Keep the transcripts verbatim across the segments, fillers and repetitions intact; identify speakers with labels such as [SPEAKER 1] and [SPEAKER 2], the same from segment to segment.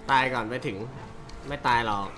[SPEAKER 1] ตายก่อนไม่ถึงไม่ตายหรอก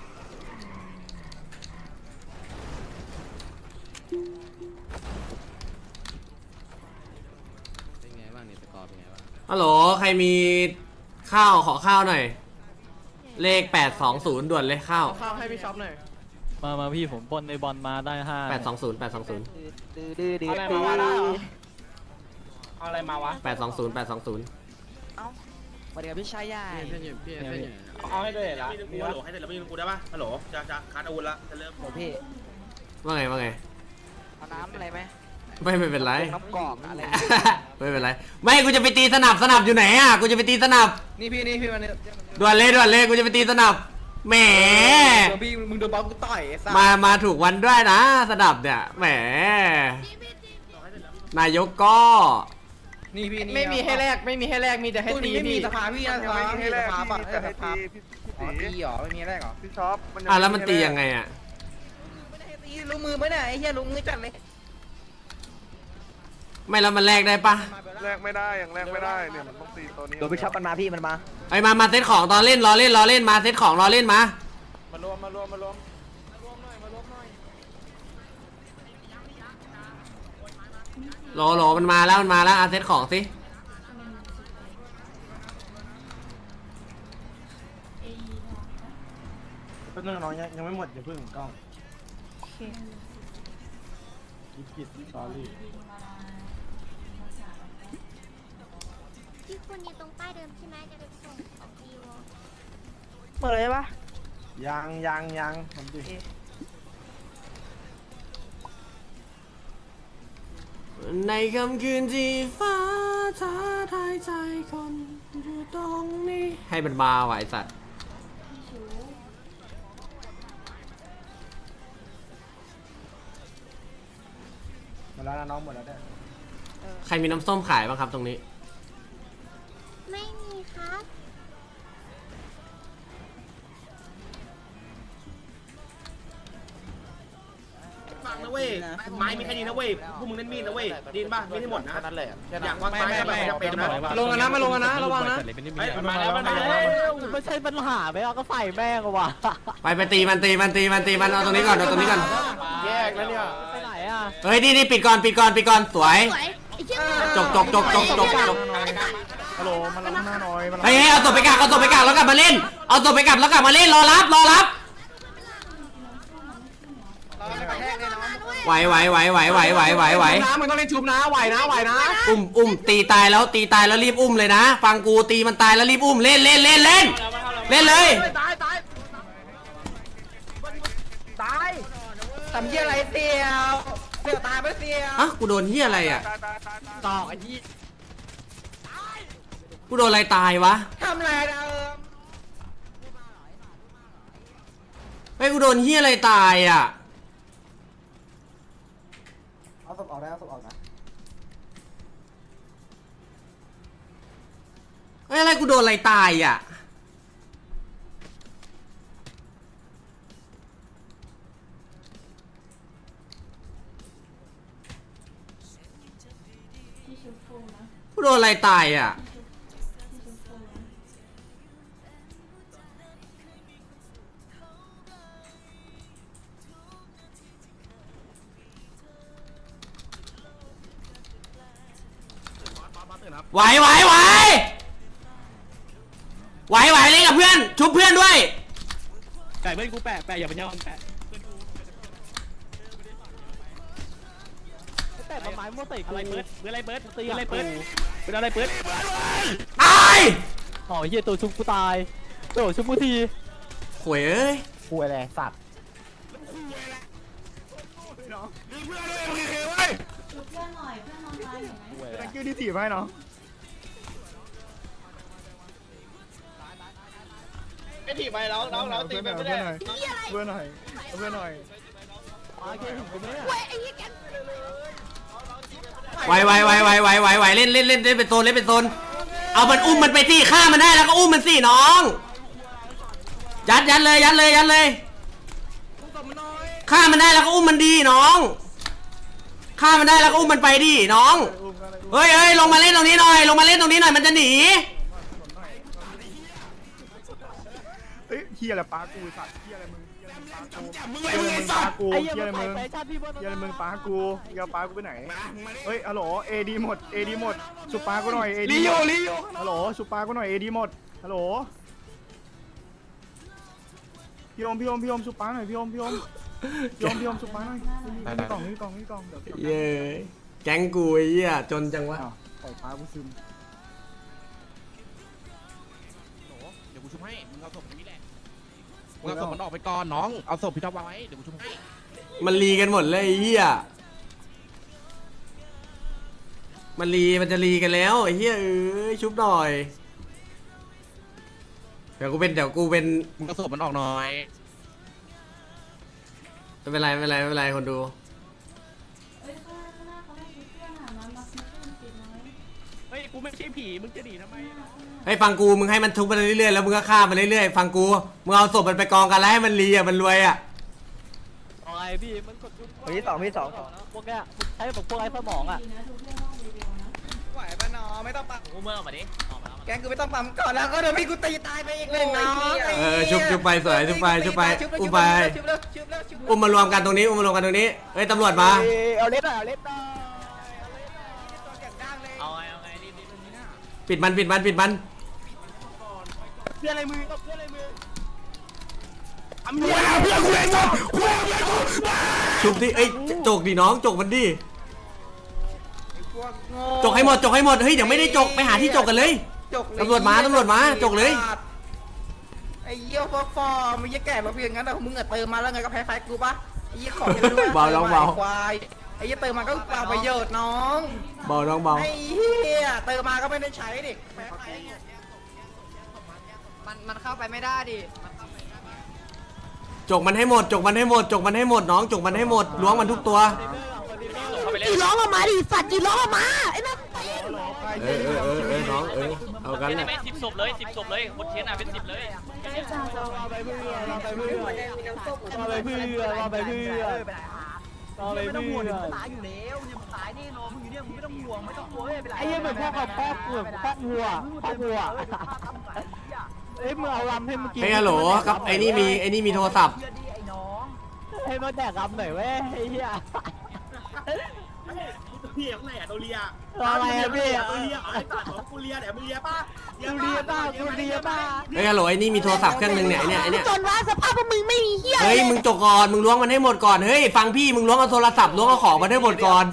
[SPEAKER 2] เป็นไงบ้างเนี่ยสกอร์เป็นไงบ้าง
[SPEAKER 1] ฮัลโหลใครมีข้าวขอข้าวหน่อยเลขแปดสองศูนย์ด่วนเลยข้าว
[SPEAKER 3] ข้าวให้พี่ช็อปหน่อย
[SPEAKER 4] มามาพี่ผมปนในบอลมาได้ห้า
[SPEAKER 1] แปดสองศูนย์แปดสองศูนย์
[SPEAKER 3] ดื้อดื้อดื้ออะไรมาวะเอาอะไรมาวะ
[SPEAKER 1] แปดสองศูนย์แปดสองศูนย์
[SPEAKER 3] เอ้าสวัสดีครับพี่ชายใหญ่
[SPEAKER 2] พี่เพื่อนอยู่พี่เพื่อนอยู่
[SPEAKER 3] เอาให้ด้วยเหรอ
[SPEAKER 5] มีฮัลโหลให้เสร็จแล้วไม่ยืนกูได้ป่ะฮัลโหลจะจะคัดอาวุธละจะเริ่ม
[SPEAKER 3] โหพี่
[SPEAKER 1] ว่าไงว่าไง
[SPEAKER 3] เอาน้ำอะไรไหม
[SPEAKER 1] ไม่ไม่เป็นไร
[SPEAKER 3] น้ำกรอกอะไร
[SPEAKER 1] ไม่เป็นไรไม่กูจะไปตีสนับสนับอยู่ไหนอ่ะกูจะไปตีสนับ
[SPEAKER 3] นี่พี่นี่พี่มัน
[SPEAKER 1] ด่วนเลยด่วนเลยกูจะไปตีสนับแหม
[SPEAKER 3] พี่มึงโดนบอลกูต่อย
[SPEAKER 1] มามาถูกวันด้วยนะสนับเนี่ยแหมนายกก็
[SPEAKER 3] นี่พี่ไม่มีให้แลกไม่มีให้แลกมีแต่ให้ตีพี่สภาพี่นะสภาพี่สภาปะสภาตีหรอไม่มีแลกหรอ
[SPEAKER 5] พี่ช็อป
[SPEAKER 1] อ่ะแล้วมันตียังไงอ่ะ
[SPEAKER 3] ไม่ได้ตีลุงมือไม่ได้ไอ้เหี้ยลุงมือจัดเลย
[SPEAKER 1] ไม่แล้วมันแลกได้ปะ
[SPEAKER 5] แลกไม่ได้ยังแลกไม่ได้เนี่ยมันต้องตีตัวนี้
[SPEAKER 3] โดนพี่ช็อปมันมาพี่มันมา
[SPEAKER 1] ไอ้มามาเซตของตอนเล่นรอเล่นรอเล่นมาเซตของรอเล่นมาม
[SPEAKER 5] ารวมมารวมมารวม
[SPEAKER 1] โหลโหลมันมาแล้วมันมาแล้วอาเซตของสิ
[SPEAKER 5] เป็นเรื่องน้องยังไม่หมดอย่าเพิ่งกล้องกิดกิดสอรี่
[SPEAKER 6] ที่คุณอยู่ตรงป้ายเดิมใช่ไหมจะไปส่งของดีว
[SPEAKER 3] เปิดเลยปะ
[SPEAKER 5] ยังยังยังผมดิ
[SPEAKER 1] ในค่ำคืนที่ฟ้าท้าทายใจคนอยู่ตรงนี้ให้มันมาไหวสัตว์
[SPEAKER 5] หมดแล้วนะน้องหมดแล้วได้
[SPEAKER 1] ใครมีน้ำส้มขายบ้างครับตรงนี้
[SPEAKER 6] ไม่มีครับ
[SPEAKER 5] ฟังนะเว้ยไม้มีแค่นี้นะเว้ยพวกมึงเล่นมีดนะเว้ยดีนป่ะไม่ได้หมดนะ
[SPEAKER 3] นั่นแหละ
[SPEAKER 5] อยากวางไม้ไม่จะเป็นนะ
[SPEAKER 3] ลงกันนะมาลงกันนะระวังนะ
[SPEAKER 5] มาแล้วมาแล้ว
[SPEAKER 4] ไม่ใช่ปัญหาไม่เอาก็ใส่แม่งว่ะ
[SPEAKER 1] ไปไปตีมันตีมันตีมันตีมันเอาตรงนี้ก่อนเอาตรงนี้ก่อน
[SPEAKER 3] แยกแล้วเนี่ย
[SPEAKER 4] ไปไหนอ่ะ
[SPEAKER 1] เฮ้ยนี่นี่ปิดก่อนปิดก่อนปิดก่อนสวยจบจบจบจบจบจบ
[SPEAKER 5] ฮัลโหลมาล้างหน้าหน่อย
[SPEAKER 1] เฮ้ยเอาตัวไปกักเอาตัวไปกักแล้วกลับมาเล่นเอาตัวไปกักแล้วกลับมาเล่นรอรับรอรับไหวไหวไหวไหวไหวไหวไหวไหว
[SPEAKER 3] น้ำมันต้องเล่นชุบนะไหวนะไหวนะ
[SPEAKER 1] อุ้มอุ้มตีตายแล้วตีตายแล้วรีบอุ้มเลยนะฟังกูตีมันตายแล้วรีบอุ้มเล่นเล่นเล่นเล่นเล่นเลย
[SPEAKER 3] ตายตายตายทำเหี้ยอะไรเสี่ยวเสี่ยวตายไม่เสี่ยว
[SPEAKER 1] อ่ะกูโดนเหี้ยอะไรอ่ะ
[SPEAKER 3] ต่อไอ้ยี่
[SPEAKER 1] กูโดนอะไรตายวะ
[SPEAKER 3] ทำอะไรนะเออ
[SPEAKER 1] เฮ้ยกูโดนเหี้ยอะไรตายอ่ะ
[SPEAKER 5] เอาศพออกได้เอาศพออกนะ
[SPEAKER 1] เฮ้ยอะไรกูโดนอะไรตายอ่ะกูโดนอะไรตายอ่ะไหวไหวไหวไหวไหวเล่นกับเพื่อนชุบเพื่อนด้วย
[SPEAKER 4] ไก่เพื่อนกูแปะแปะอย่าไปยอมแปะแปะต้นไม้มั่วใส่อะไรเปิดเปิดอะไรเปิดตีอะไรเปิดเป็นอะไรเปิด
[SPEAKER 1] ตาย
[SPEAKER 4] อ๋อเฮียตัวชุบกูตายตัวชุบกูที
[SPEAKER 1] หวยเอ้ย
[SPEAKER 3] คุยอะไรสัตว์
[SPEAKER 5] เพื่อนด้วยโอเคเว้ย
[SPEAKER 6] เพื่อนหน่อยเพื่อนนอนตายอยู่ไหม
[SPEAKER 5] ตะกิ้วที่ถีบให้เนาะ
[SPEAKER 3] ไม่ถีบไปแล้วแล้วแล้วตีไปไม่ได้
[SPEAKER 5] เพื่อนหน่อยเพื่อนหน่อย
[SPEAKER 1] ไหวไหวไหวไหวไหวไหวไหวเล่นเล่นเล่นเล่นเป็นโซนเล่นเป็นโซนเอามันอุ้มมันไปที่ฆ่ามันได้แล้วก็อุ้มมันสิน้องยัดยัดเลยยัดเลยยัดเลยฆ่ามันได้แล้วก็อุ้มมันดีน้องฆ่ามันได้แล้วก็อุ้มมันไปดิน้องเฮ้ยเฮ้ยลงมาเล่นตรงนี้หน่อยลงมาเล่นตรงนี้หน่อยมันจะหนี
[SPEAKER 7] เหี้ยอะไรป้ากูสัตว์เหี้ยอะไรมึงเหี้ยอะไรมึงป้ากู
[SPEAKER 5] จับมือ
[SPEAKER 7] เหี้ย
[SPEAKER 5] ไว้
[SPEAKER 7] อะไร
[SPEAKER 5] มึง
[SPEAKER 7] มึ
[SPEAKER 5] ไอ้
[SPEAKER 7] ง
[SPEAKER 5] สั
[SPEAKER 7] ป้า
[SPEAKER 5] ตว์
[SPEAKER 7] กู
[SPEAKER 4] ไอ้
[SPEAKER 7] เหี้
[SPEAKER 4] เหี้
[SPEAKER 7] ย
[SPEAKER 4] ย
[SPEAKER 7] อะไร
[SPEAKER 4] มึ
[SPEAKER 7] มึ
[SPEAKER 4] ง
[SPEAKER 7] ง
[SPEAKER 4] แฟชั่นพี่บน
[SPEAKER 7] เหี้ยอะไรมึงป้ากูเหี้ยป้ากูไปไหนเฮ้ยฮัลโหลเอดีหมดเอดีหมดชุบป้ากูหน่อยเอดี
[SPEAKER 5] ลีโอลีโอ
[SPEAKER 7] ฮัลโหลชุบป้ากูหน่อยเอดีหมดฮัลโหลพี่อมพี่อมพี่อมชุบป้าหน่อยพี่อมพี่อมพี่อมพี่อมชุบป้าหน่อยนี่กล่องนี่กล่องนี่กล่องเดี๋ยว
[SPEAKER 1] เย้แก๊งกูไอ้เหี้ยจนจังวะ
[SPEAKER 7] อ้าวปล่อยป้ากูซึม
[SPEAKER 2] เดี๋ยวกูชุบให้ มึงเอาศพตรงนี้แหละ มึงเอาศพมันออกไปก่อนน้อง เอาศพพี่ท็อปวางไว้ เดี๋ยวกูชุบให้
[SPEAKER 1] มันรีกันหมดเลยไอ้เหี้ยมันรีมันจะรีกันแล้วไอ้เหี้ยเอ้ยชุบหน่อยเดี๋ยวกูเป็นเดี๋ยวกูเป็น
[SPEAKER 2] มึงเอาศพมันออกหน่อย
[SPEAKER 1] ไม่เป็นไรไม่เป็นไรไม่เป็นไรคนดู
[SPEAKER 6] เอ้ยข้างหน้าข้างหน้าเขาให้ชุดเพื่อนอ่ะมามาซื้อเพื่อนติดน้อย
[SPEAKER 4] เฮ้ยกูไม่ใช่ผีมึงจะหนีทำไม
[SPEAKER 1] ให้ฟังกูมึงให้มันทุบไปเรื่อยๆแล้วมึงก็ฆ่ามันเรื่อยๆฟังกูมึงเอาศพมันไปกองกันแล้วให้มันรีอ่ะมันรวยอ่ะ
[SPEAKER 4] อะไรพี่มันกดยุบ
[SPEAKER 3] พี่สองพี่สอง
[SPEAKER 4] พวกเนี้ยใช้แบบพวกไอ้สมองอ่ะ
[SPEAKER 6] ดีนะทุกเรื่องห้องรีวิวนะ
[SPEAKER 3] ไหวปะน้องไม่ต้องปั๊ม
[SPEAKER 4] กูเมื่อมาดิออกมา
[SPEAKER 3] แกงกูไม่ต้องปั๊มก่อนแล้วก็เดี๋ยวพี่กูตีตายไปอีกหนึ่งน้อง
[SPEAKER 1] เออชุบชุบไปสวยชุบไปชุบไปอุ้มไป
[SPEAKER 3] ชุบแล้วชุบแล้วชุบแล้ว
[SPEAKER 1] อุ้มมารวมกันตรงนี้อุ้มมารวมกันตรงนี้เฮ้ยตำรวจมา
[SPEAKER 3] เอาเล็บหน่อยเอาเล็บหน่อย
[SPEAKER 4] เอาไงเอาไงรีบรีบ
[SPEAKER 1] ปิดมันปิดมันปิดมัน
[SPEAKER 4] เพื่อนอะไรมือก็เพื่อนอะไรมือ
[SPEAKER 5] เพื่อนกูเองจบเพื่อนกูเองจบ
[SPEAKER 1] ชุบที่เอ้ยจกดิน้องจกมันดิจกให้หมดจกให้หมดเฮ้ยเดี๋ยวไม่ได้จกไปหาที่จกกันเลย ตำรวจมาตำรวจมาจกเลย
[SPEAKER 3] ไอ้เยี่ยวฟอฟอมึงจะแก่มาเพียงงั้นแต่มึงอะเติมมาแล้วไงก็แพ้ไฟกูปะไอ้เยี่ยของยังด้วย
[SPEAKER 1] เบาน้องเบา
[SPEAKER 3] ควายไอ้เยี่ยเติมมาก็เปล่าประโยชน์น้อง
[SPEAKER 1] เบาน้องเบา
[SPEAKER 3] ไอ้เหี้ยเติมมาก็ไม่ได้ใช้ดิแพ้ไฟมันมันเข้าไปไม่ได้ดิ
[SPEAKER 1] จกมันให้หมดจกมันให้หมดจกมันให้หมดน้องจกมันให้หมดล้วงมันทุกตัว
[SPEAKER 6] จีร้องออกมาดิสัตว์จีร้องออกมาไอ้นั่น
[SPEAKER 1] เออเออเออเออน้องเออเอากันแหละ
[SPEAKER 4] สิบศพเลยสิบศพเลยบนเทียนอ่ะเป็นสิบเลย เอาไปเพื่อนเอาไปเพื่อนเอาไปเพื่อนเอาไปเพื่อนเอาไปเพื่อน
[SPEAKER 3] ตายอยู่แล้วเนี่ยตายแน่นอนมึงอยู่เนี่ยมึงไม่ต้องห่วงไม่ต้องกลัวไม่เป็นไร
[SPEAKER 4] ไอ้เหี้ยเหมือนพวกกับพ่อกูพ่อวัวพ่อวัวเอ้ยมึงเอาลำให้มึงกิน
[SPEAKER 1] เฮ้ยฮัลโหลครับไอ้นี่มีไอ้นี่มีโทรศัพท์
[SPEAKER 4] ให้มาแดกลำหน่อยเว้ยไอ้เหี้ย
[SPEAKER 5] พี่ข้างในอะโดเรีย
[SPEAKER 4] อะไรอะพี่
[SPEAKER 5] โดเรียไอ้ตัดของกูเรียเนี่ยมึงเรียป่ะ
[SPEAKER 4] กูเรียบ้ากูเรียบ้า
[SPEAKER 1] เฮ้ยฮัลโหลไอ้นี่มีโทรศัพท์เครื่องนึงเนี่ยไอ้เนี่ยไอ้เนี่ย
[SPEAKER 6] จนว่าสภาพพวกมึงไม่มีเฮีย
[SPEAKER 1] เฮ้ยมึงจกก่อนมึงล้วงมันให้หมดก่อนเฮ้ยฟังพี่มึงล้วงเอาโทรศัพท์ล้วงเอาของมันให้หมดก่อน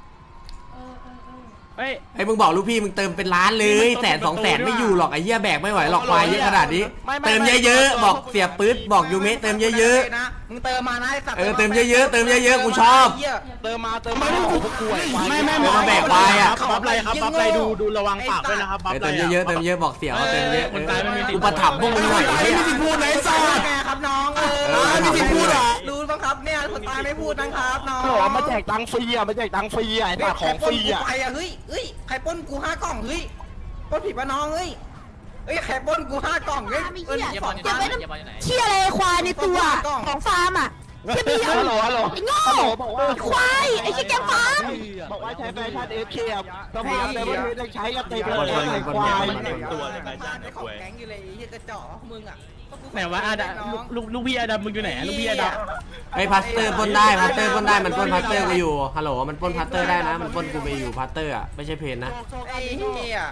[SPEAKER 6] เออเออเออ
[SPEAKER 4] เฮ้ย
[SPEAKER 1] ไอ้มึงบอกลูกพี่มึงเติมเป็นล้านเลยแสนสองแสนไม่อยู่หรอกไอ้เหี้ยแบกไม่ไหวหรอกควายเยอะขนาดนี้เติมเยอะๆบอกเสียปื๊ดบอกยูเมะเติมเยอะ
[SPEAKER 3] นะมึงเติมมานะไอ้สัตว์
[SPEAKER 1] เออเติมเยอะๆเติมเยอะๆกูชอบ
[SPEAKER 3] เติมมาเติมมาพวกกู
[SPEAKER 1] ไม่ไม่ไม่มาแบกควายอะ
[SPEAKER 3] บัฟอะไรครับบัฟอะไรดูดูระวังปากด้วยนะครับ
[SPEAKER 1] ๆเออเติมเยอะๆเติมเยอะบอกเสียวเติมเยอะเอออุปถัมภ์พวกมึงหน่อยไอ้เหี้ย
[SPEAKER 5] ไม่มีสิทธิ์พูดไหนสัตว์
[SPEAKER 3] ไงครับน้องเอ
[SPEAKER 1] เออ
[SPEAKER 3] อ
[SPEAKER 1] ไม่มีสิทธิ์พูดเหรอ
[SPEAKER 3] รู้บ้างครับเนี่ยคนตายไม่พูดนะครับน้อง
[SPEAKER 2] โอ้มาแจกตังค์ฟรีอ่ะมาแจกตังค์ฟรีอ่ะไอ้ตาของฟรีอ่ะ
[SPEAKER 3] ใครปล้นกูไปอ่ะเฮ้ยเฮ้ยใครปล้นกูห้ากล่องเฮ้ยปล้นผิดปะน้องเฮ้ยเฮ้ยใครปล้นกูห้ากล่องเฮ้ย
[SPEAKER 6] ไม่
[SPEAKER 3] เออ
[SPEAKER 6] เฮีย
[SPEAKER 3] สอง
[SPEAKER 6] เก็บไว้
[SPEAKER 3] พัน
[SPEAKER 6] น้ำเชี่ยอะไรควายในตัวของฟาร์มอ่ะเชี่ยเบี้ย
[SPEAKER 2] ฮัลโหลฮัลโหล
[SPEAKER 6] ไอ้โง่
[SPEAKER 2] ฮัลโหลบอกว่า
[SPEAKER 6] ควายไอ้เชี่ยแกงฟาร์ม
[SPEAKER 2] บอกว่าใช้แฟชั่นเอฟเคอ่ะสภาพแต่ว่าไม่ใช้กันเต็มเลยไอ้ควาย
[SPEAKER 3] ตัวเลยนะจ๊ะของแก๊งอยู่เลยไอ้เหี้ยกระจอกมึงอ่ะ
[SPEAKER 4] ไหนวะอาดาลูกลูกพี่อาดามึงอยู่ไหนลูกพี่อาดา
[SPEAKER 1] ไอ้พัสเตอร์ปล้นได้พัสเตอร์ปล้นได้มันปล้นพัสเตอร์กูอยู่ฮัลโหลมันปล้นพัสเตอร์ได้นะมันปล้นกูไปอยู่พัสเตอร์อ่ะไม่ใช่เพนนะ
[SPEAKER 3] ไอ้เหี้ย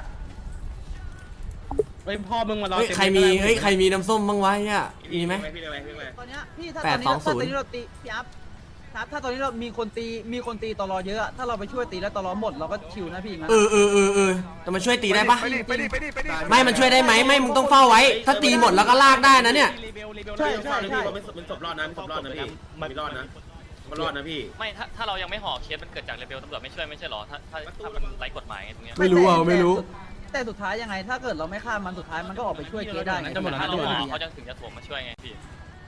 [SPEAKER 4] เฮ้ยพ่อมึงมารอ
[SPEAKER 1] เฮ้ยใครมีเฮ้ยใครมีน้ำส้มบ้างวะเนี่ยมีไหม
[SPEAKER 5] พี่เลยพี่เลย
[SPEAKER 3] ตอนเนี้ยพี่ถ้า
[SPEAKER 1] แปดสองศูนย์
[SPEAKER 3] ตอนนี้เราตีพี่อัพครับถ้าตอนนี้เรามีคนตีมีคนตีตลอเยอะอะถ้าเราไปช่วยตีแล้วตลอหมดเราก็ชิวนะพี่งั้น
[SPEAKER 1] เออเออเออเออแต่มันช่วยตีได้ปะ
[SPEAKER 7] ไปดิไปดิไปดิไปดิ
[SPEAKER 1] ไม่มันช่วยได้ไหมไม่มึงต้องเฝ้าไว้ ถ้าตีหมดแล้วก็ลากได้นะเนี่ย
[SPEAKER 3] ใช่ใช่ใช่
[SPEAKER 5] มันมันศพรอดนะมันศพรอดนะพี่มันรอดนะมันรอดนะพี่
[SPEAKER 8] ไม่ถ้าถ้าเรายังไม่ห่อเคสมันเกิดจากเลเวลตำรวจไม่ช่วยไม่ใช่หรอถ้าถ้าถ้ามันไร้กฎหมายไงตรงเนี้ย
[SPEAKER 1] ไม่รู้อ่ะไม่รู้
[SPEAKER 3] แต่สุดท้ายยังไง ถ้าเกิดเราไม่ฆ่ามันสุดท้ายมันก็ออกไปช่วยเกได้ไง
[SPEAKER 8] ถ้าเราห่อเขาจะถึงจะถ่วงมาช่วยไงพี่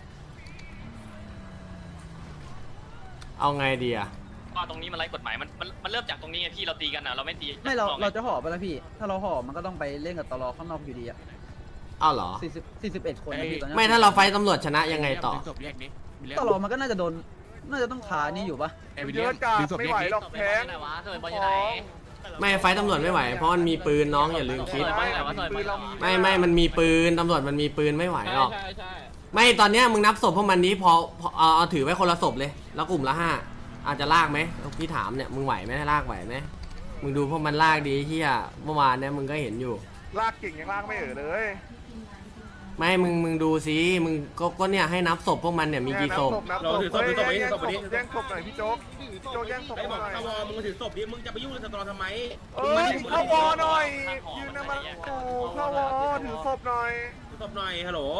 [SPEAKER 1] เอาไงดีอ่ะ
[SPEAKER 8] ก็ตรงนี้มันไร้กฎหมายมันมันมันเริ่มจากตรงนี้ไงพี่เราตีกันนะเราไม่ตี
[SPEAKER 3] ไม่เราเราจะห่อไปแล้วพี่ ถ้าเราห่อมันก็ต้องไปเล่นกับตลอข้างนอกอยู่ดีอะ
[SPEAKER 1] เอาเหรอ
[SPEAKER 3] สี่สิบสี่สิบเอ็ดคนนะพี่ตอนนี้
[SPEAKER 1] ไม่ถ้าเราไฟตำรวจชนะยังไงต่อ
[SPEAKER 2] จบแยกดิ
[SPEAKER 3] ตลอมันก็น่าจะโดนน่าจะต้องขานี่อยู่ปะ
[SPEAKER 7] เยอะจัดไม่ไหวหรอกแพง
[SPEAKER 8] ไหนวะเธอบอลอยู่ไหน
[SPEAKER 1] ไม่ไฟตำรวจไม่ไหวเพราะมันมีปืนน้องอย่าลืมคิด
[SPEAKER 8] บอลอยู่ไหนวะเธอบอล
[SPEAKER 1] ไม่ไม่มันมีปืนตำรวจมันมีปืนไม่ไหวหรอก
[SPEAKER 4] ใช่ใช่
[SPEAKER 1] ไม่ตอนเนี้ยมึงนับศพพวกมันนี้พอพอเอาเอาถือไว้คนละศพเลย แล้วกลุ่มละห้าอาจจะลากไหมพี่ถามเนี่ยมึงไหวไหมลากไหวไหมมึงดูพวกมันลากดีที่อ่ะเมื่อวานเนี่ยมึงก็เห็นอยู่
[SPEAKER 7] ลากเก่งยังลากไม่เออเลย
[SPEAKER 1] ไม่มึงมึงดูสิมึงก็ก็เนี่ยให้นับศพพวกมันเนี่ยมีกี่ศพ
[SPEAKER 7] นับศพนับศพแย่งศพแย่งศพหน่อยพี่โจ๊กโจ๊กแย่งศพ
[SPEAKER 5] ไอ้
[SPEAKER 7] ห
[SPEAKER 5] บ
[SPEAKER 7] น่
[SPEAKER 5] อก
[SPEAKER 7] อย
[SPEAKER 5] ตะวอมึงมาถือศพดิมึงจะไปยุ่งกับตะวอทำไม
[SPEAKER 7] เอ้ยเข้าวอหน่อยยืนนะมันโอ้เข้าวอถือศพหน่อย
[SPEAKER 5] ถือศพหน่อยฮัลโหล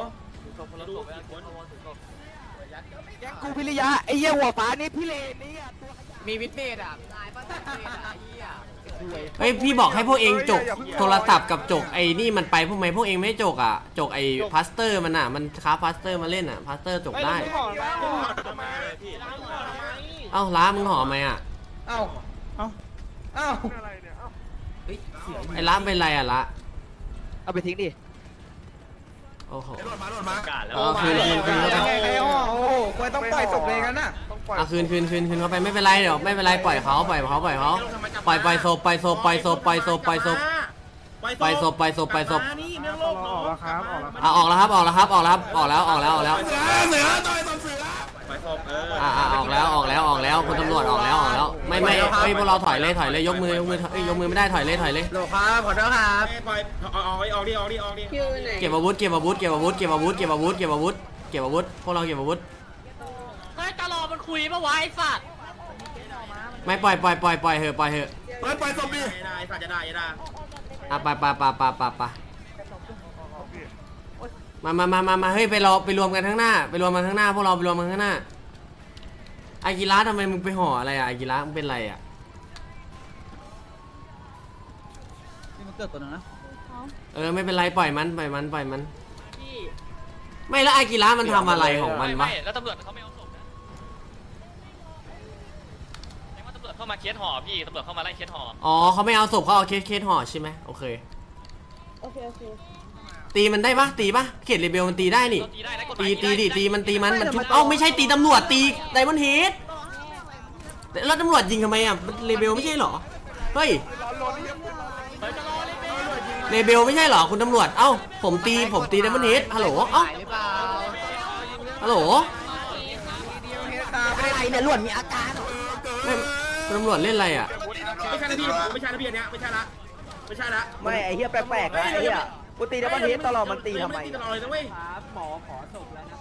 [SPEAKER 3] กูพิริยะไอ้เหี้ยหัวฟ้านี่พี่เลนนี่มีวิทเนตอ่ะตายป่ะตายเหี้ย
[SPEAKER 1] เฮ้ยพี่บอกให้พวกเองจกโทรศัพท์กับจกไอ้นี่มันไปพวกไหมพวกเองไม่จกอ่ะจกไอ้พาสเตอร์มันอ่ะมันค้าพาสเตอร์มาเล่นอ่ะพาสเตอร์จกได้เอ้าล้ามึงหอมไหมอ่ะ
[SPEAKER 3] เอ้าเอ้าเอ้า
[SPEAKER 7] อะไรเนี่ย
[SPEAKER 1] ไอ้ล้าเป็นไรอ่ะล้า
[SPEAKER 3] เอาไปทิ้งดิ
[SPEAKER 1] โอ้โห
[SPEAKER 8] กาดแล้ว
[SPEAKER 1] เอาคืนคืนคืนเข้าไป
[SPEAKER 3] ไอ้อ๋อโอ้โหควรต้องปล่อยศพเลยกันน่ะ
[SPEAKER 1] เอาคืนคืนคืนคืนเข้าไปไม่เป็นไรเดี๋ยวไม่เป็นไรปล่อยเขาปล่อยเขาปล่อยเขาปล่อยปล่อยศพปล่อยศพปล่อยศพปล่อยศพปล่อยศพปล่อยศพปล่อยศพปล่อยศพ
[SPEAKER 5] นี่เรื่องโลก
[SPEAKER 7] ออกแล้วครับออกแล้ว
[SPEAKER 1] อ่ะออกแล้วครับออกแล้วครับออกแล้วครับออกแล้วออกแล้วออกแล้ว
[SPEAKER 5] ไปศพเออ
[SPEAKER 1] อ่ะอ่ะออกแล้วออกแล้วออกแล้วคุณตำรวจออกแล้วออกแล้วไม่ไม่เฮ้ยพวกเราถอยเลยถอยเลยยกมือยกมือเอ้ยยกมือไม่ได้ถอยเลยถอยเลย
[SPEAKER 3] โหลครับขอโทษครับ
[SPEAKER 5] ปล่อยออกออกออกดิออกดิออกดิ
[SPEAKER 1] เก็บอาวุธเก็บอาวุธเก็บอาวุธเก็บอาวุธเก็บอาวุธเก็บอาวุธเก็บอาวุธพวกเราเก็บอาวุธ
[SPEAKER 4] เฮ้ยตลอดมันคุยปะวะไอ้สัตว์
[SPEAKER 1] ไม่ปล่อยปล่อยปล่อยปล่อยเถอะปล่อยเถอะ
[SPEAKER 5] ปล่อยปล่อยศพดิได้สัตว์จะได้จะได้
[SPEAKER 1] อ่ะไปไปไปไปไปไปมามามามามาเฮ้ยไปรอไปรวมกันข้างหน้าไปรวมกันข้างหน้าพวกเราไปรวมกันข้างหน้าอากิระทำไมมึงไปห่ออะไรอ่ะอากิระมึงเป็นไรอ่ะ
[SPEAKER 3] นี่มันเกิดตัวนึงนะ
[SPEAKER 1] เออไม่เป็นไรปล่อยมันปล่อยมันปล่อยมัน ไม่แล้วอากิระมันทำอะไรของมันวะ
[SPEAKER 8] ไม่แล้วตำรวจเขาไม่เอาศพนะแสดงว่าตำรวจเข้ามาเคสห่อพี่ตำรวจเข้ามาไล่เคสห่อ
[SPEAKER 1] อ๋อเขาไม่เอาศพเขาเอาเคสเคสห่อใช่ไหมโอเค
[SPEAKER 6] โอเคโอเค
[SPEAKER 1] ตีมันได้ปะตีปะเขตเรเบลมันตีได้นี่
[SPEAKER 8] ตีได้นะกฎห
[SPEAKER 1] ตี
[SPEAKER 8] มาย
[SPEAKER 1] ตีดิตีมันตีมันมันชุบเอ้าไม่ใช่ตีตำรวจตีไดมอนด์เฮดแล้วตำรวจยิงทำไมอ่ะเรเบลไม่ใช่เหรอเฮ้ยเรเบลไม่ใช่เหรอคุณตำรวจเอ้าผมตีผมตีไดมอนด์เฮดฮัลโหลเอ้าฮัลโหล
[SPEAKER 3] ไม่ได้เนี่ยหลวนมีอาการ
[SPEAKER 1] ไม่คุณตำรวจเล่นอะไรอ่ะ
[SPEAKER 5] ไม่ใช่นะพี่ไม่ใช่นะพี่อันเนี้ยไม่ใช่ละไม่ใช่ละ
[SPEAKER 3] ไม่ไอ้เหี้ยแปลกๆนะไอ้เหี้ยกูตีแล้วมันเฮ็ดตลอดมันตีทำไม
[SPEAKER 5] ตีตลอดเลยนะเว้ย
[SPEAKER 3] หมอขอศพแล้ว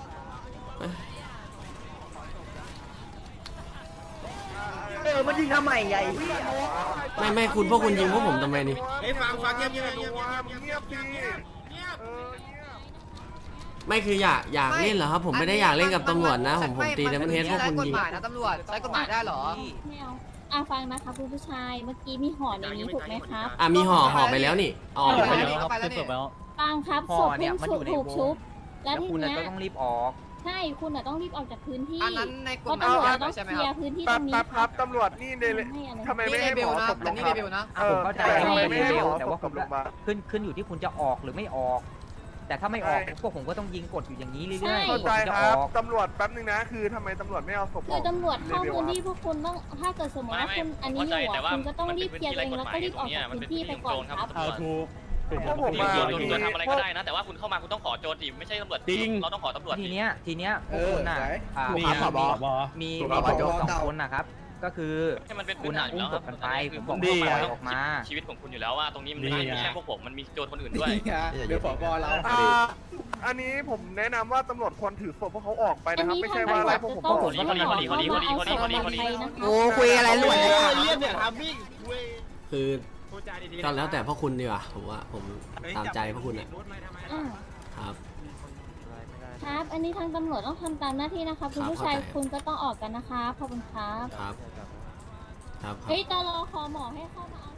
[SPEAKER 3] เออมันยิงทำไมไง
[SPEAKER 1] ไม่ไม่คุณพวกคุณยิงพวกผมทำไมนี่
[SPEAKER 5] เฮ้ยฟังฟังเงียบเงียบเงียบเงียบ
[SPEAKER 7] เงียบดิ
[SPEAKER 5] เงียบ
[SPEAKER 7] เออเงียบ
[SPEAKER 1] ไม่คืออยากอยากเล่นเหรอครับผมไม่ได้อยากเล่นกับตำรวจนะผมผมตีไดมอนด์เฮดพวกคุณยิง
[SPEAKER 3] นะตำรวจใช้กฎหมายได้เหรอ
[SPEAKER 6] ไม่เอาอ่ะฟังนะคะคุณผู้ชายเมื่อกี้มีห่อในนี้ถูกไหมครับ
[SPEAKER 1] อ่ะมีห่อห่อไปแล้วนี่เอาออกไปแล้ว
[SPEAKER 3] ไปแล้วเนี่ย
[SPEAKER 6] ฟังครับ
[SPEAKER 3] ห่
[SPEAKER 6] ศ
[SPEAKER 3] อ
[SPEAKER 6] พ
[SPEAKER 3] เนี่ย
[SPEAKER 6] เพิ่ง
[SPEAKER 3] มันอยู่ใน
[SPEAKER 6] ถูก
[SPEAKER 3] วง
[SPEAKER 6] ชุบ แล้ว
[SPEAKER 3] แล้ว
[SPEAKER 6] ที
[SPEAKER 3] คุณ
[SPEAKER 6] เนี้ย
[SPEAKER 3] ก็ต้องรีบออก
[SPEAKER 6] ใช่คุณอ่ะต้องรีบออกจากพื้นที่
[SPEAKER 3] อันนั้นในก
[SPEAKER 6] เพ
[SPEAKER 3] ฎ
[SPEAKER 6] ราะ
[SPEAKER 3] หมาย
[SPEAKER 6] ตำรวจต้อง
[SPEAKER 3] ใช่ไหม
[SPEAKER 6] เคลี
[SPEAKER 3] ค
[SPEAKER 6] ย
[SPEAKER 3] รับ
[SPEAKER 6] ร์พื้นที่
[SPEAKER 7] ค
[SPEAKER 6] ต
[SPEAKER 7] รั
[SPEAKER 6] ร
[SPEAKER 7] บ
[SPEAKER 6] งนี้
[SPEAKER 7] ครับครับตำรวจนี่เดลทำไมไม่ให้หมอศพลงมา
[SPEAKER 3] ผมเข้าใจ
[SPEAKER 7] ทำไมไม่ให้หมอ
[SPEAKER 9] แต่
[SPEAKER 7] ศ
[SPEAKER 9] ว่า
[SPEAKER 7] พ
[SPEAKER 9] ผม
[SPEAKER 7] ลงมา
[SPEAKER 9] ขึ้นขึ้นอยู่ที่คุณจะออกหรือไม่ออก แต่ถ้าไม่ออกพวกผมก็ต้องยิงกดอยู่อย่างนี้เรื่อยๆ
[SPEAKER 7] เข้า
[SPEAKER 9] ผม
[SPEAKER 7] ใจ
[SPEAKER 9] จะ
[SPEAKER 7] ค
[SPEAKER 9] อ
[SPEAKER 7] รับ
[SPEAKER 9] อก
[SPEAKER 7] ตำรวจแป๊บนึงนะคือทำไมตำรวจไม่เอาศพอ
[SPEAKER 6] คือ
[SPEAKER 7] อก
[SPEAKER 6] ตำรวจเข้าพื้นที่พวกคุณต้องถ้าเกิดสมมติว่าคุณอันนี้อยู่อ่ะคุณก็ต้องรีบเคลียร์เองแล้วก็รีบออกจากพื้นที่ไปก่อนครับ
[SPEAKER 7] พวกผม
[SPEAKER 8] ผม
[SPEAKER 7] มา
[SPEAKER 8] โจรโจรทำอะไรก็ได้นะ แต่ว่าคุณเข้ามาคุณต้องขอโจรดิไม่ใช่ตำรวจจริงเราต้องขอตำรวจ
[SPEAKER 9] ทีเนี้ยทีเนี้ยพวกคุณน่ะอ่า
[SPEAKER 3] มี
[SPEAKER 9] มี
[SPEAKER 3] ผบ
[SPEAKER 9] มีมีผบสองคนนะครับ ก็คือ
[SPEAKER 8] ให้มันเป็น
[SPEAKER 9] คุณน่ะอุ้มศพกันไปผมบอก
[SPEAKER 8] ดี
[SPEAKER 9] ว่าปล่อยออกมา
[SPEAKER 8] ชีวิตของคุณอยู่แล้วว่าตรงนี้มันไม่ใช่แค่พวกผมมันมีโจรคนอื่นด้วย
[SPEAKER 3] เดี๋ยวผบเรา
[SPEAKER 7] อ่าอันนี้ผมแนะนำว่าตำรวจควรถือศพพวกเขาออกไปนะครับไม่ใช่ว่าไล่พวกผม
[SPEAKER 6] ต้
[SPEAKER 7] อ
[SPEAKER 6] อง
[SPEAKER 7] อก
[SPEAKER 6] ขอขอขอขอเอาศพมันไปนะคะ
[SPEAKER 3] โอ้คุยอะไรหลวนเลย
[SPEAKER 5] เรียกเนี่ยทำพี่
[SPEAKER 1] คือก็แล้วแต่พวกคุณดีกว่าผมว่าผมตามใจพวกคุณอ่ะ
[SPEAKER 6] อ่า
[SPEAKER 1] ครับ
[SPEAKER 6] ครับ อันนี้ทางตำรวจต้องทำตามหน้าที่นะคะคุณผู้ชาย
[SPEAKER 1] เข้าใจ
[SPEAKER 6] คุณก็ต้องออกกันนะคะขอบคุณครับ
[SPEAKER 1] ครับครับครับ
[SPEAKER 6] เฮ้ยตลอคอหมอให้เข้ามาเอา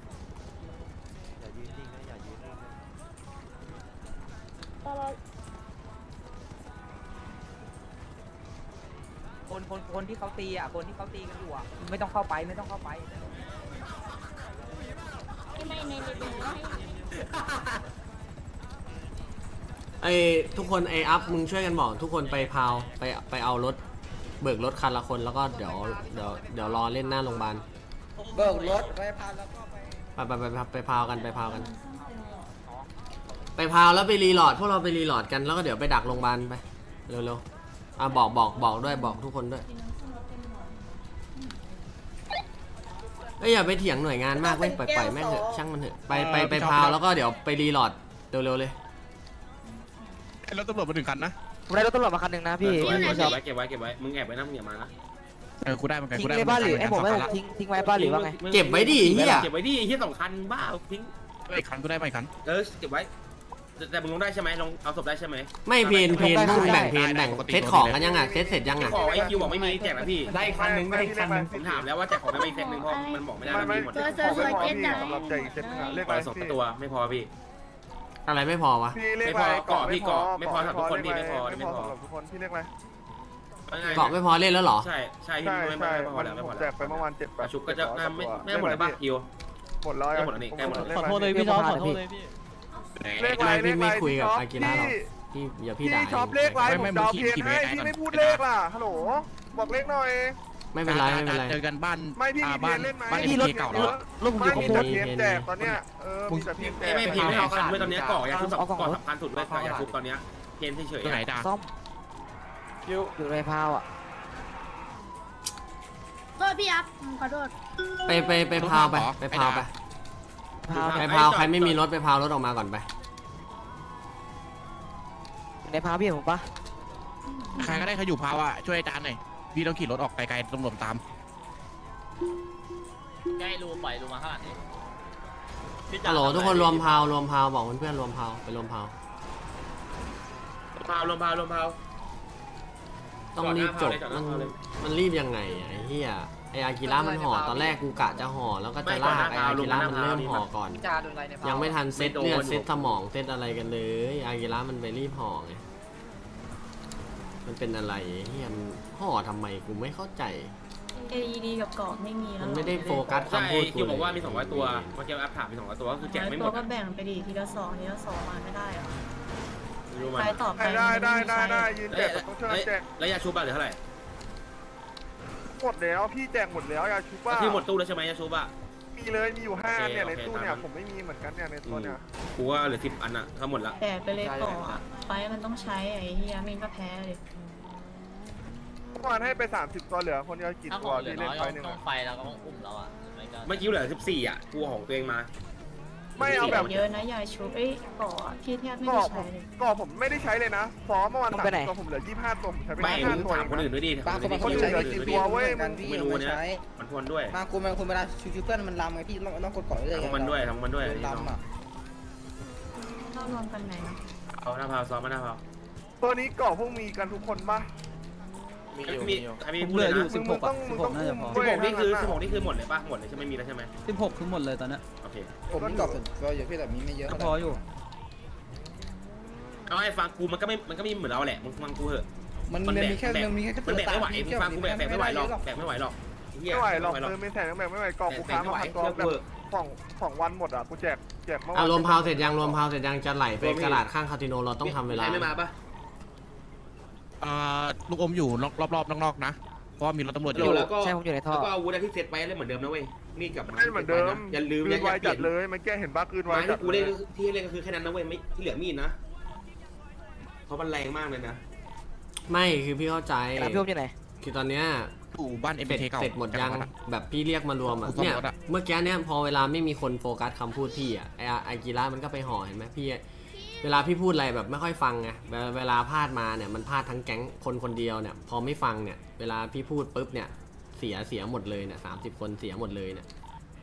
[SPEAKER 6] ตลอ
[SPEAKER 9] คนคนคนที่เขาตีอ่ะคนที่เขาตีกันอยู่อ่ะไม่ต้องเข้าไปไม่ต้องเข้าไป
[SPEAKER 6] ไม่ในในดูให้
[SPEAKER 1] ไอทุกคนไออัพมึงช่วยกันบอกทุกคนไปพาวไปไปเอารถเบิกรถคันละคนแล้วก็เดี๋ยวเดี๋ยวเดี๋ยวรอเล่นหน้าโรงพยาบาล
[SPEAKER 3] เบิกรถไปพาแล้วก็ไป
[SPEAKER 1] ไปไปไปไปพาวกันไปพาวกัน ไปพาวแล้วไปรีโหลอดพวกเราไปรีโหลอดกันแล้วก็เดี๋ยวไปดักโรงพยาบาลไปเร็วๆอ่ะบอกบอกบอกด้วยบอกทุกคนด้วยเอ้ยอย่าไปเถียงหน่วยงานมากเว้ยปล่อยปล่อยแม่งเถอะช่างมันเถอะไปไปไปพาวแล้วก็เดี๋ยวไปรีโหลดเร็วๆเลย
[SPEAKER 2] รถตำรวจมาถึงคันนะ
[SPEAKER 9] ผมได้รถตำรวจมาคันหนึ่งนะพี่
[SPEAKER 5] เก็บไว้เก็บไว้เก็บไว้มึงแอบไปนะมึงอย่ามานะ
[SPEAKER 2] เออกูได้เหมือนกัน
[SPEAKER 9] ทิ้
[SPEAKER 2] กู
[SPEAKER 9] ง
[SPEAKER 2] ได้
[SPEAKER 9] ไว้บ้านหรือไอ้ผมไว้ผมทิ้งทิ้งไว้บ้านหรือว่าไง
[SPEAKER 1] เก็บไว้ดิเฮีย
[SPEAKER 5] เก็บไว้ดิเฮียสองคันบ้าเอาทิ้ง
[SPEAKER 2] อีกคันกูได้ไปคัน
[SPEAKER 5] เออเก็บไว้แต่มึงลงได้ใช่ไหมลงเอาศพได้ใช่ไหม
[SPEAKER 1] ไม่เพนเพนพวกมึงแบ่งเพนแบ่งเซตของกันยังอ่ะเซตเสร็จยังอ่ะ
[SPEAKER 5] ขอไอคิวบอกไม่มีแจกนะพี่
[SPEAKER 7] ได้คันนึงได้คันนึง
[SPEAKER 5] ผมถามแล้วว่าแจกของไม่มีเซตหนึ่งเพราะมันบอกไม่ได้มันมีหมด
[SPEAKER 6] เจอเจอเจอเจ็ดจ่าย
[SPEAKER 7] สำหรับใจเจ็ดหาเลข
[SPEAKER 5] ปล่อยศพตัวไม่พอพี่
[SPEAKER 1] อะไรไม่พอวะ
[SPEAKER 7] พี่เลข
[SPEAKER 5] ไม่พอเกาะพี่เกาะไม่พอสำหรับทุกคนพี่ไม่พอ
[SPEAKER 7] ไม่
[SPEAKER 5] ไม่
[SPEAKER 7] พ
[SPEAKER 5] พ
[SPEAKER 7] อ
[SPEAKER 5] อ
[SPEAKER 7] สำหรับทุกคนพี่เลขอะไร
[SPEAKER 1] เกาะไม่พอเล่นแล้วเหรอ
[SPEAKER 5] ใช่ใช่พี่
[SPEAKER 7] ใช่
[SPEAKER 5] ไม่
[SPEAKER 7] ใช่
[SPEAKER 5] ไม่พอแล้วไม่
[SPEAKER 7] ผ
[SPEAKER 5] พอ
[SPEAKER 7] ม
[SPEAKER 5] แล้ว
[SPEAKER 7] แจกไปเมื่อวานเจ็ดแปด
[SPEAKER 5] ชุบก็จะไม่ไม่หมดแล้วป่ะคิว
[SPEAKER 7] หมดแล้ว
[SPEAKER 5] ใกล้หมดแล้วนี่ใกล้หมดแล้ว
[SPEAKER 3] ขอโทษเลยพี่ชอบขอโทษเลยพี่
[SPEAKER 7] เลขอะไร
[SPEAKER 1] ไม่
[SPEAKER 7] เล
[SPEAKER 1] พี่
[SPEAKER 7] ขอะไร
[SPEAKER 1] ไม่คุยกับอากิระหรอก
[SPEAKER 7] พี่
[SPEAKER 1] พี่อย่าพี่
[SPEAKER 7] พี่
[SPEAKER 1] ด่า
[SPEAKER 7] ชอบเลขอะไรผมดาวเพียนให้พี่ไม่พูดเลขล่ะฮัลโหลบอกเลขหน่อย
[SPEAKER 1] ไม่เป็นไรไม่เป็นไร
[SPEAKER 2] เจอกันบ้าน
[SPEAKER 7] ไม่พี่มีเพี
[SPEAKER 2] บ้าย น
[SPEAKER 7] นเล่นไหม
[SPEAKER 2] บ้าน
[SPEAKER 7] พี่
[SPEAKER 2] เอ็มเคเก่าแล้ว
[SPEAKER 7] รถผมอยู่กับเพียนแจกตอนเนี้ยเออมีแต่เพียนแจ
[SPEAKER 5] ไม่
[SPEAKER 7] ก
[SPEAKER 5] ไม่พีไม่เอาคันด้วยตอนนี้เกาะยาชุบเกาะสำคัญสุดเลยยาชุบตอนนี้เกณฑ์เฉย
[SPEAKER 2] ตัวไหนด่า
[SPEAKER 9] ซ่อมอยู่ในพาวอ่ะ
[SPEAKER 6] โทษพี่อัพขอโทษ
[SPEAKER 1] ไปไปไปพาวไปไปพาวไป
[SPEAKER 9] พาว
[SPEAKER 1] ไปพาวใครไม่มีรถไปพาวรถออกมาก่อนไป
[SPEAKER 9] ในพาวพี่ผมปะ
[SPEAKER 2] ใครก็ได้ใครอยู่พาวอะช่วยอาจารย์หน่อยพี่ต้องขี่รถออกไกลๆตำรวจตาม
[SPEAKER 8] ใกล้รูปล่อยรูมาข้างหลังนี้
[SPEAKER 1] ฮัลโหลทุกคนรวมพาวรวมพาวบอกเพื่อนๆรวมพาวไปรวมพาว
[SPEAKER 5] พาวลงพาวลงพาว
[SPEAKER 1] ต้องรีบจบ
[SPEAKER 5] จอดห
[SPEAKER 1] มั
[SPEAKER 5] น้าน พาวเลย
[SPEAKER 1] มันรีบยังไงอะไอ้เหี้ยไอ้อากิระมันห่อตอนแรกกูกะจะห่อแล้วก็จะลากไอ้อากิระมันเริ่มห่อก่อน
[SPEAKER 3] จาโดนอะไรใน
[SPEAKER 1] ยังไม่ทันเซ็ตเลือดเซ็ตสมองเซ็ตอะไรกันเลยอากิระมันไปรีบห่อไงมันเป็นอะไรเฮียมันห่อทำไมกูไม่เข้าใจ
[SPEAKER 6] เอดีกับเกาะไม่มีแล้ว
[SPEAKER 1] มันไม่ได้โฟกัส
[SPEAKER 5] ใช่
[SPEAKER 1] คำพูดกู
[SPEAKER 5] คิวบอกว่า
[SPEAKER 1] เลย
[SPEAKER 5] มีสองร้อยตัวเมื่อกี้แอปถามมีสองร้อยตัวก็คือแจกไม่หม
[SPEAKER 6] ตัว
[SPEAKER 5] ด
[SPEAKER 6] ก็แบ่งไปดีทีละสองทีละสองมาไม่ได้อะ
[SPEAKER 5] รู้ไหม
[SPEAKER 6] ใครตอบไป
[SPEAKER 7] ได้ได้ได้ได้ยืนแจกต้องช่วยแจก
[SPEAKER 5] แล้วยาชุบอะเหลือเท่าไหร่
[SPEAKER 7] หมดแล้วพี่แจกหมดแล้วยาชุบว่า
[SPEAKER 5] ที่หมดตู้แล้วใช่ไหมยาชุบอะ
[SPEAKER 7] มีเลยมีอยู่ห้าเนี่ย
[SPEAKER 5] โอ
[SPEAKER 7] ใน
[SPEAKER 5] เค
[SPEAKER 7] ตู้เนี่ย
[SPEAKER 5] ตามนั้น
[SPEAKER 7] ผมไม่มีเหมือนกันเนี่ยในตัวเนี่ย
[SPEAKER 5] กูว่าเหลือสิบอันอะทั้งหมดละ
[SPEAKER 6] แต่ไปเลยเกาะอะไฟมันต้องใช้ไอ้เฮียมินก็แพ้เลย
[SPEAKER 7] เมื่อวานให้ไปสามสิบตัวเหลือคนเดียวกี่
[SPEAKER 8] ถ้าข
[SPEAKER 7] ตั
[SPEAKER 8] อ
[SPEAKER 7] ว
[SPEAKER 8] งเหลือ
[SPEAKER 7] ที่
[SPEAKER 8] น้
[SPEAKER 7] เล่น
[SPEAKER 8] อย
[SPEAKER 7] ไฟหนึ่ง
[SPEAKER 8] ต้องไฟแล้วก็ต้องอุ้มแล้วอ่ะไม่ก็
[SPEAKER 5] เมื่อกี้เหลือสิบสี่อะกูของตัวเองมา
[SPEAKER 7] ไม่เอาแบบ
[SPEAKER 6] เยอะนะยายชูเอ้ยเกาะอะพี่แทบไม่
[SPEAKER 7] ก่อ
[SPEAKER 6] ได้
[SPEAKER 7] ผ
[SPEAKER 6] ใช้
[SPEAKER 7] ม
[SPEAKER 6] เลย
[SPEAKER 7] ก่อผมไม่ได้ใช้เลยนะซ้อมเมื่อวานสามตัวผมเหลือยี่สิบห้าตัวผมใช้ไป
[SPEAKER 5] ไม่
[SPEAKER 7] ยี่สิบ
[SPEAKER 5] มึ
[SPEAKER 7] ห้าง ตัว
[SPEAKER 5] ถามคนอื่นด้วยดิ
[SPEAKER 3] บางคนบางคน
[SPEAKER 7] อื่
[SPEAKER 3] ใช้
[SPEAKER 7] เหลือกี่ตัวเว้ยมึง
[SPEAKER 5] ไม่รู้เนี่ยมันทวนด้วย
[SPEAKER 3] บางคนบางคนเวลาชูเพื่อนมันลำไงพี่ต้องต้องกดก่อนเลย
[SPEAKER 5] ทำมันด้วยทำมันด้วย
[SPEAKER 3] ลำอ่ะ
[SPEAKER 6] เข้ารวมกันไหนนะ
[SPEAKER 5] เอาหน้าพาวซ้อมมาหน้าพาว
[SPEAKER 7] ตัวนี้ก่อพวกมีกันทุกคนปะ
[SPEAKER 5] มีมีใครมีพูดเลยนะ
[SPEAKER 7] มึงมึงต้องมึงต้องอุ้ม
[SPEAKER 5] สิบหกนี่คือสิบห
[SPEAKER 7] ก
[SPEAKER 5] กนี่คือหมดเลยป่ะหมดเลยใช่ไหมมีแล้วใช่ไหม
[SPEAKER 3] สิบหกคือหมดเลยตอนนี้
[SPEAKER 5] โอเค
[SPEAKER 3] ผมมีกรอบส่วนตัวอยู่พี่แต่มีไม่เยอะพออยู่
[SPEAKER 5] เอาให้ฟังกูมันก็ไม่มันก็มีเหมือนเราแหละมึงฟังกูเถอะ
[SPEAKER 3] มันมันมีแค่มันมีแค่
[SPEAKER 5] มันแบกไม่ไหวมึงฟังกูแบกแบกไม่ไหวหรอกแบกไม่ไหวหรอก
[SPEAKER 7] ไม่ไหวหรอกเออไม่แสนแบบไม่ไหวก่อกูค้ามาพันตัวแบบสองสองวันหมดอ่ะกูแจกแจกเมื่อวา
[SPEAKER 1] อ่ะ
[SPEAKER 7] น
[SPEAKER 1] รวมพาวเสร็จยังรวมพาวเสร็จยังจะไหลไปกระดาษข้างคาสิโนเราต้องทำเวลา
[SPEAKER 5] ไม่มาป่ะ
[SPEAKER 2] อ่าลูกอมอยู่รอบๆนอกๆนะเพราะว่ามีรถตำรวจอยู่
[SPEAKER 5] แล้วก็
[SPEAKER 9] ใช่ผมอยู่ในท่อ
[SPEAKER 5] แล้วก็อาวุธที่เซตไว้เลยเหมือนเดิมนะเว้ยมีดกับ
[SPEAKER 7] ไม่เหมือนเดิม
[SPEAKER 5] อย่าลืม
[SPEAKER 7] คื
[SPEAKER 5] อย่าน
[SPEAKER 7] ไว
[SPEAKER 5] เปลี่
[SPEAKER 7] จั
[SPEAKER 5] ย
[SPEAKER 7] ด
[SPEAKER 5] น
[SPEAKER 7] เลยมันแก้เห็นบ้าคืนไว
[SPEAKER 5] ไม้
[SPEAKER 7] จั
[SPEAKER 5] ที่
[SPEAKER 7] ด
[SPEAKER 5] กู
[SPEAKER 7] เล
[SPEAKER 5] เล่
[SPEAKER 7] ย
[SPEAKER 5] นที่เล่นก็คือแค่นั้นนะเว้ยไม่ที่เหลือมีดนะเพราะมันแรงมากเลยนะ
[SPEAKER 1] ไม่คือพี่เข้าใจ
[SPEAKER 9] แล้วพี่ผมอยู่ไหน
[SPEAKER 1] คือตอนเนี้ย
[SPEAKER 2] อยู่บ้านเอ็ม
[SPEAKER 1] เสร็จ
[SPEAKER 2] เคเก่า
[SPEAKER 1] เสร็จหมดยังแบบพี่เรียกมารวมอ่ะ
[SPEAKER 2] ผมซ่อม
[SPEAKER 1] เนี่ย
[SPEAKER 2] รถอะ
[SPEAKER 1] เมื่อกี้เนี่ยพอเวลาไม่มีคนโฟกัสคำพูดพี่อ่ะไอไอกีระมันก็ไปห่อเห็นไหมพี่เวลาพี่พูดอะไรแบบไม่ค่อยฟังไงเวลาเวลาพลาดมาเนี่ยมันพลาดทั้งแก๊งคนคนเดียวเนี่ยพอไม่ฟังเนี่ยเวลาพี่พูดปุ๊บเนี่ยเสียเสียหมดเลยเนี่ยสามสิบคนเสียหมดเลยเนี่ย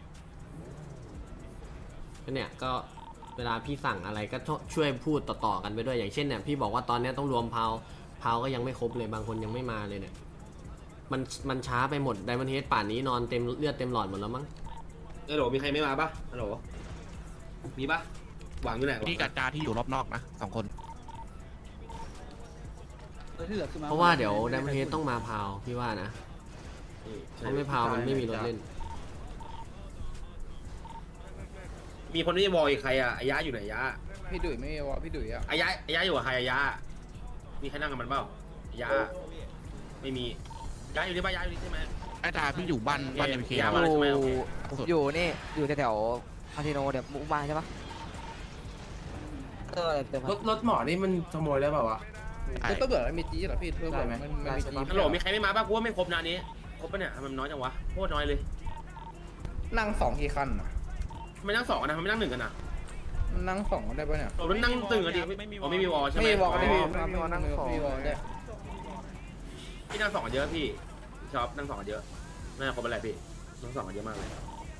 [SPEAKER 1] ก็เนี่ยก็เวลาพี่สั่งอะไรก็ช่วยพูดต่อๆกันไปด้วยอย่างเช่นเนี่ยพี่บอกว่าตอนนี้ต้องรวมพาวพาวก็ยังไม่ครบเลยบางคนยังไม่มาเลยเนี่ยมันมันช้าไปหมดไดมอนด์เฮดป่านนี้นอนเต็มเลือดเต็มหลอดหมดแล้วมั้ง
[SPEAKER 5] ฮัลโหลมีใครไม่มาป่ะฮัลโหลมีป่ะหวังอยู่ไหน
[SPEAKER 2] นี่กับจาที่อยู่รอบนอกนะสองคน
[SPEAKER 1] เพราะว่าเดี๋ยวไดมอนด์เฮดต้องมาพาวพี่ว่านะเพราะไม่พาวมันไม่มีรถเล่น
[SPEAKER 5] มีคนที่วอลอีกใครอะอายะอยู่ไหนยะ
[SPEAKER 3] พี่ดุยไม่วะพี่ดุยอ่ะ
[SPEAKER 5] อายะอายะอยู่กับใครอายะมีใครนั่งกับมันเปล่าอายะไม่มียะอยู่ที่บ้านยะอยู่ที่ใช่ไหม
[SPEAKER 2] อาจารย์พี่อยู่บ้านบ้านเอ็มเค
[SPEAKER 5] อย่า
[SPEAKER 2] เก่า
[SPEAKER 5] มา
[SPEAKER 9] อ
[SPEAKER 5] เลย
[SPEAKER 9] ยู่
[SPEAKER 5] ใช่ไหมโอเค
[SPEAKER 9] อยู่นี่อยู่แถวๆคาสิโนเดี๋ยวมุกมาใช่ปะเออเติม
[SPEAKER 10] รถรถหมอนี่มันขโมยได้เปล่าวะ
[SPEAKER 3] คือตัวเบื่อมันมีจีเหรอพี่ตัวเบื่อมันมันมีจี
[SPEAKER 5] ฮัลโหลมีใครไม่มาบ้างกูว่าไม่ครบนะอันนี้ครบปะเนี่ยทำไมมันน้อยจังวะโคตรน้อยเลย
[SPEAKER 3] นั่งสองกี่คันอ่ะ
[SPEAKER 5] ทำไมนั่งสองกันนะทำไมนั่งหนึ่งกันนะ
[SPEAKER 3] นั่งสองได้ปะเนี่ย
[SPEAKER 5] เรานั่งตึงกันดิอ๋อไม่มีวอลใช่ไหม
[SPEAKER 3] ไม่มีวอล
[SPEAKER 7] ไม่
[SPEAKER 3] ไม่
[SPEAKER 7] มี
[SPEAKER 3] มี
[SPEAKER 7] ไม่มีวันนั่งสอง
[SPEAKER 3] ไม่มีวอลได้
[SPEAKER 5] พี่นั่งสองกันเยอะพี่ชอบนั่งสองกันเยอะน่าจะครบอะไรพี่นั่งสองกันเยอะมากเลย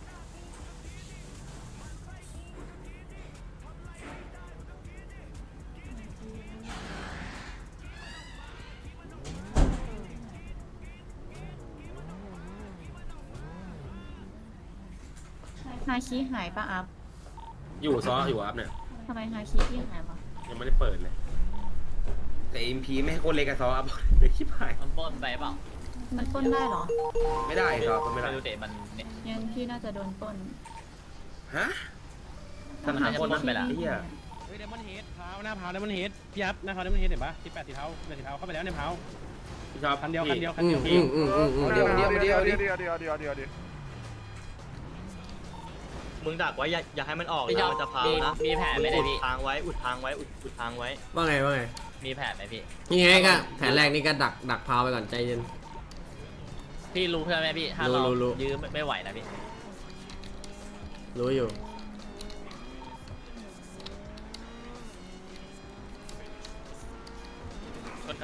[SPEAKER 6] ฮาคิหายปะอัพ
[SPEAKER 5] อยู่ซออยู่ครับเนี่ย
[SPEAKER 6] ทำไมฮาคิพี่หายปะ
[SPEAKER 5] ยังไม่ได้เปิดเลยแต่เอ็มพีไม่ให้โคตรเล็กกับซออัพเลยชิบหาย
[SPEAKER 8] มันบนไปเปล่า
[SPEAKER 6] มันปล้นได้เหรอ
[SPEAKER 5] ไม่ได้ซอก็ไม่ได้
[SPEAKER 8] ไม่รู้เตะมันเนี่ย
[SPEAKER 6] ยังพี่น่าจะโดนปล้น
[SPEAKER 5] ฮะสังหารคนนั้นไปละไอ้เหี้ย
[SPEAKER 2] เฮ้ยเดมอนเฮดเท้าหน้าเท้าเดมอนเฮดพี่ยับหน้าเท้าเดมอนเฮดเห็นปะที่แปดสีเท้าแปดสีเท้าเข้าไปแล้วในเท้า
[SPEAKER 5] พี่ชอบ
[SPEAKER 2] คันเดียวคันเดียวคัน
[SPEAKER 1] อื
[SPEAKER 2] เดี
[SPEAKER 1] ม
[SPEAKER 2] ยว
[SPEAKER 1] อืมอืมอืมอืม
[SPEAKER 7] เดี๋ยวเดี๋ยวเดี๋ยวเดี๋ยวเดี๋ยวเดี๋ยวเดี๋ยวเดี๋ยวเดี๋ยว
[SPEAKER 4] มึงดักไว้อย่าอย่าให้มันออก
[SPEAKER 8] พี่ชอบ
[SPEAKER 4] มันจะพาว
[SPEAKER 8] มี
[SPEAKER 4] นะ
[SPEAKER 8] มีแผนไหมเนี่
[SPEAKER 4] อุ
[SPEAKER 8] ย
[SPEAKER 4] ด
[SPEAKER 8] พี่
[SPEAKER 4] ทางไว้อุดทางไว้อุดอุดทางไว้
[SPEAKER 1] ว่าไงว่าไง
[SPEAKER 8] มีแผนไหมพี่
[SPEAKER 1] นี่ไงก็แผนแรกนี่ก็ดักดักพาวไปก่อนใจเย็น
[SPEAKER 8] พี่รู้เพื่อนไหมพี่ถ้า
[SPEAKER 1] รู้
[SPEAKER 8] เรา
[SPEAKER 1] รู้รู้
[SPEAKER 8] ยื้อไม่ไม่ไหวนะพี่
[SPEAKER 1] รู้อยู่
[SPEAKER 8] ชนกัน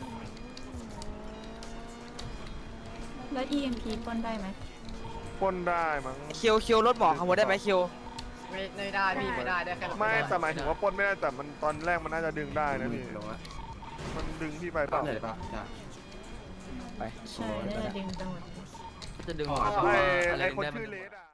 [SPEAKER 6] แล้ว อี เอ็ม พี ปล้นได้ไหม
[SPEAKER 7] ปล้นได้มั้ง
[SPEAKER 3] คิวคิวรถหมอขโมยได้ไหมคิว
[SPEAKER 9] ไม่ไม่ได้พี่ไม่ได้ได้แค่
[SPEAKER 7] ไม่แต่หมายถึงว่าปล้นไม่ได้แต่มันตอนแรกมันน่าจะดึงได้นะพี่มันดึงพี่ไปเปล่า
[SPEAKER 6] ใช่น่าจะดึงจังหวะ
[SPEAKER 3] จะดึง
[SPEAKER 7] ไอ้ไอ้คนชื่อเลสอ่ะ